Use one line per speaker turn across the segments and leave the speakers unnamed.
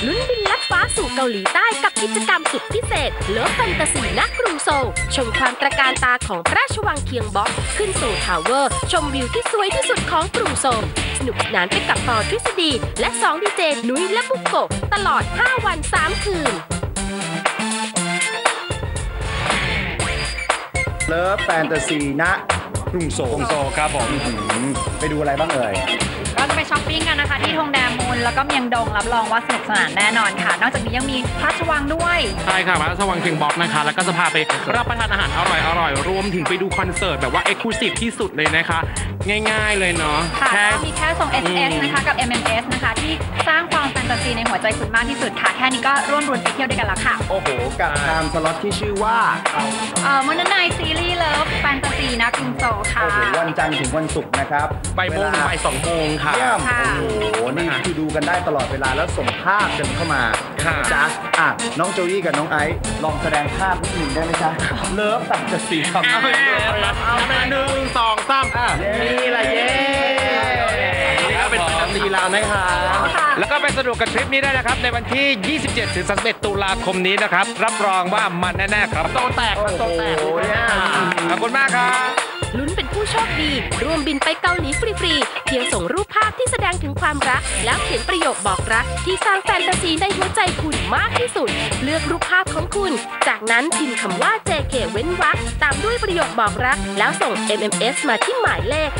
ลุ้นบินลัดฟ้าสู่เกาหลีใต้กับกิจกรรมสุดพิเศษเลิฟแฟนตาซีณกรุงโซลชมความตระการตาของพระราชวังเคียงบ็อกขึ้นสู่ทาวเวอร์ชมวิวที่สวยที่สุดของกรุงโซลสนุกสนานไปกับปอทฤษฎีและ2ดีเจนุ้ยและบุกโกะตลอด5 วัน 3 คืน
เลิฟแฟนตาซีณกรุงโซลครับผมไปดูอะไรบ้างเอ่ย
ก็จะไปช้อปปิ้งกันนะคะที่ธงแดมูลแล้วก็เมียงดงรับรองว่าสนุกสนานแน่นอนค่ะนอกจากนี้ยังมีพระราชวังด้วย
ใช่ค่ะพระราชวังเคียงบ็อกนะคะแล้วก็จะพาไปรับประทานอาหารอร่อยรวมถึงไปดูคอนเสิร์ตแบบว่าเอ็กซ์คลูซีฟที่สุดเลยนะคะง่ายๆเลยเนาะ
มีแค่ส่ง SMS นะคะกับ MMS นะคะที่สร้างความแฟนตาซีในหัวใจคุณมากที่สุดค่ะแค่นี้ก็ร่วมรุนไปเที่ยวด้วยกันแล้วค่ะ
โอ้โหกับไทม์สล็อตที่ชื่อว่า
มันนายซีรีส์เลิฟแฟนตาซีนะกรุงโซลค่ะ
โอ้โหวันจันทร์ถึงวันศุกร์นะครับ
บ่ายโมงถึงบ่าย2 โมงค่ะ
โอ้โหนี่คือดูกันได้ตลอดเวลาแล้วส่งภาพกันเข้ามาจ้ะน้องโจวี่กับน้องไอซ์ลองแสดงภาพนิดหนึ่งได้ไหมจ๊ะเลิฟแฟนตาซีครับ
1 2 3
นี่แหละเย้
แล้วเป็นแฟนตาซีเรานะคะแล้วก็ไปสนุกกับทริปนี้ได้นะครับในวันที่ 27 ถึง 31 ตุลาคมนี้นะครับรับรองว่ามันแน่ๆครับโตแตกขอบคุณมากครับ
ลุ้นเป็นผู้โชคดีร่วมบินไปเกาหลีฟรีๆเพียงส่งรูปภาพที่แสดงถึงความรักแล้วเขียนประโยคบอกรักที่สร้างแฟนตาซีในหัวใจคุณมากที่สุดเลือกรูปภาพของคุณจากนั้นพิมพ์คำว่า JK เว้นวรรคตามด้วยประโยคบอกรักแล้วส่ง MMS มาที่หมายเลข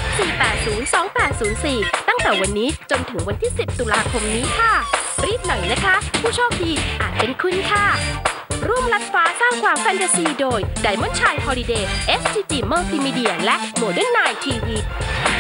4802804 ตั้งแต่วันนี้จนถึงวันที่ 10 ตุลาคมนี้ค่ะรีบหน่อยนะคะผู้โชคดีอาจเป็นคุณค่ะร่วมลัดฟ้าสร้างความแฟนตาซีโดย Diamond Chai Holiday STG Multimedia และ Modern Night TV